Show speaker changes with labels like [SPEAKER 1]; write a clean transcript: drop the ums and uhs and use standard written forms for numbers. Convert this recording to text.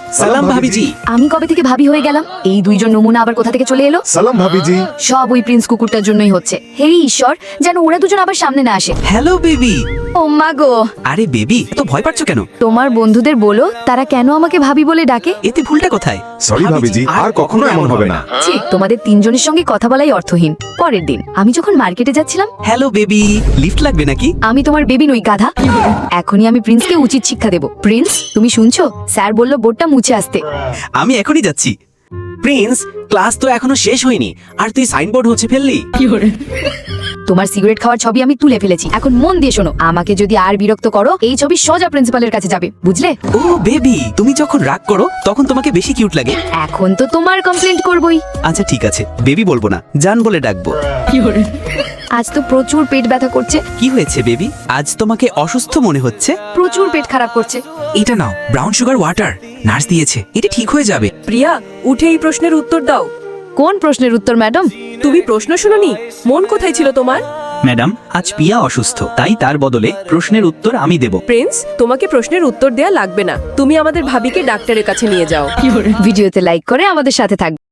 [SPEAKER 1] সালাম ভাবিজি।
[SPEAKER 2] আমি কবে থেকে ভাবি হয়ে গেলাম? এই দুইজন নমুনা আবার কোথা থেকে চলে এলো?
[SPEAKER 3] সালাম ভাবিজি।
[SPEAKER 2] সব ওই প্রিন্স কুকুরটার জন্যই হচ্ছে। হে ঈশ্বর, যেন ওরা দুজন আবার সামনে না আসে।
[SPEAKER 1] Hello baby.
[SPEAKER 2] ও মা গো,
[SPEAKER 1] আরে বেবি, তো ভয় পাচ্ছ কেন?
[SPEAKER 2] তোমার বন্ধুদের বলো তারা কেন আমাকে ভাবি বলে ডাকে।
[SPEAKER 1] এতে ভুলটা কোথায়?
[SPEAKER 3] সরি ভাবিজি, আর কখনো এমন হবে না।
[SPEAKER 2] ছি, তোমাদের তিনজনের সঙ্গে কথা বলাই অর্থহীন। পরের দিন আমি যখন মার্কেটে যাচ্ছিলাম,
[SPEAKER 1] হ্যালো বেবি, লিফট লাগবে নাকি?
[SPEAKER 2] আমি তোমার বেবি নই গাধা। এখনই আমি প্রিন্সকে উচিত শিক্ষা দেব। প্রিন্স, তুমি শুনছো? স্যার বলল বোর্ডটা মুছে আসতে।
[SPEAKER 1] আমি এখনই যাচ্ছি। প্রিন্স, ক্লাস তো এখনো শেষ হয়নি, আর তুই সাইনবোর্ড হচ্ছে ফেললি।
[SPEAKER 2] তোমার সিগারেট খাওয়ার ছবি আমি তুলে ফেলেছি। এখন মন দিয়ে শোনো, আমাকে যদি আর বিরক্ত করো, এই ছবি সোজা প্রিন্সিপালের কাছে যাবে, বুঝলে?
[SPEAKER 1] ও বেবি, তুমি যখন রাগ করো তখন তোমাকে বেশি কিউট লাগে।
[SPEAKER 2] এখন তো তোমার কমপ্লেন্ট করবই।
[SPEAKER 1] আচ্ছা ঠিক আছে, বেবি বলবো না, জান বলে ডাকবো।
[SPEAKER 2] আজ তো প্রচুর পেট ব্যথা করছে।
[SPEAKER 1] কি হয়েছে বেবি? আজ তোমাকে অসুস্থ মনে হচ্ছে।
[SPEAKER 2] প্রচুর পেট খারাপ করছে।
[SPEAKER 1] এটা নাও, ব্রাউন সুগার ওয়াটার, নার্স দিয়েছে, এটা ঠিক হয়ে যাবে।
[SPEAKER 4] প্রিয়া, উঠে এই প্রশ্নের উত্তর দাও।
[SPEAKER 2] কোন প্রশ্নের উত্তর ম্যাডাম?
[SPEAKER 4] তুমি প্রশ্ন শুনোনি? মন কোথায় ছিল তোমার?
[SPEAKER 1] ম্যাডাম, আজ পিয়া অসুস্থ, তাই তার বদলে প্রশ্নের উত্তর আমি দেব।
[SPEAKER 4] প্রিন্স, তোমাকে প্রশ্নের উত্তর দেয়া লাগবে না। তুমি আমাদের ভাবিকে ডাক্তারের কাছে নিয়ে যাও।
[SPEAKER 2] ভিডিওতে লাইক করে আমাদের সাথে থাকবে।